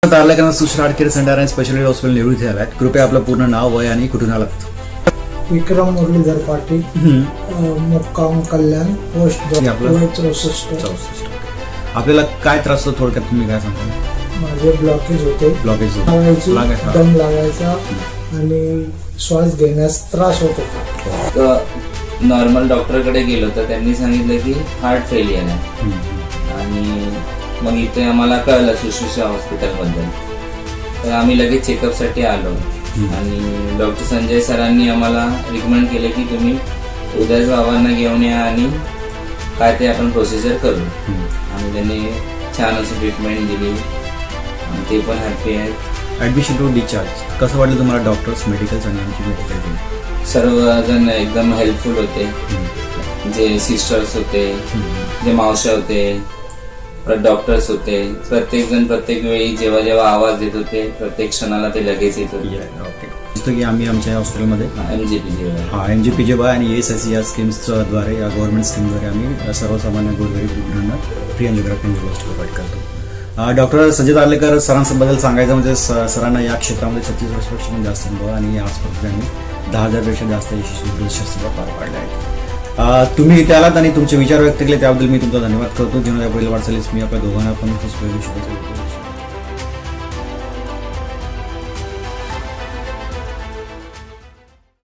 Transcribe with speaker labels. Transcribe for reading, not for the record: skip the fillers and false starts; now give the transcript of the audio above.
Speaker 1: तारलेकरांना Sushri heart care centre आणि speciality hospital Nehru इथे आलात. कृपया आपलं पूर्ण नाव, वय आणि कुठून आलात?
Speaker 2: विक्रम मुरलीधर पाटील, मुक्काम कल्याण, पोस्ट 64.
Speaker 1: आपल्याला काय त्रास होतो थोडक्यात तुम्ही काय सांगता?
Speaker 2: माझे ब्लॉकेज होते,
Speaker 1: लागायची,
Speaker 2: दम लागायचा आणि श्वास घेण्यास त्रास होत होता.
Speaker 3: नॉर्मल डॉक्टरकडे गेलो तर त्यांनी सांगितलं की हार्ट फेलियर आहे. आणि मग इथे आम्हाला कळलं सुश्रुषा हॉस्पिटलबद्दल, तर आम्ही लगेच चेकअपसाठी आलो. आणि डॉक्टर संजय सरांनी आम्हाला रिकमेंड केले की तुम्ही उदय बाबांना घेऊन या आणि काय ते आपण प्रोसिजर करू. आणि त्यांनी छान अशी ट्रीटमेंट दिली आणि ते पण हॅप्पी आहेत.
Speaker 1: ॲडमिशन टू डिस्चार्ज कसं वाटलं तुम्हाला? डॉक्टर्स, मेडिकल्स आणि आमची मेडिकल टीम
Speaker 3: सर्वजण एकदम हेल्पफुल होते. जे सिस्टर्स होते, जे मावशा होते, डॉक्टर्स होते, प्रत्येक जण प्रत्येक वेळी जेव्हा जेव्हा आवाज देत होते प्रत्येक क्षणाला ते लगेच येत होते.
Speaker 1: ओके. जसं की आम्ही आमच्या हॉस्पिटलमध्ये MGPJY आणि ESIC या स्कीम्सद्वारे, या गव्हर्नमेंट स्कीमद्वारे आम्ही सर्वसामान्य गोरगरीब रुग्णांना फ्री अँजिओग्राफी प्रोव्हाइड करतो. डॉक्टर संजय तारलेकर सरांबद्दल सांगायचं म्हणजे सरांना या क्षेत्रामध्ये 36 वर्षापेक्षा जास्त अनुभव आणि आजपर्यंत त्यांनी 10,000पेक्षा जास्त यशस्वी शस्त्रक्रिया पार पाडल्या आहेत. तुम्ही इथे आलात आणि तुमचे विचार व्यक्त केले त्याबद्दल मी तुमचा धन्यवाद करतो. जीवनाच्या पुढील वाटचालीस मी आपल्या दोघांना पण खूप शुभेच्छा देतो.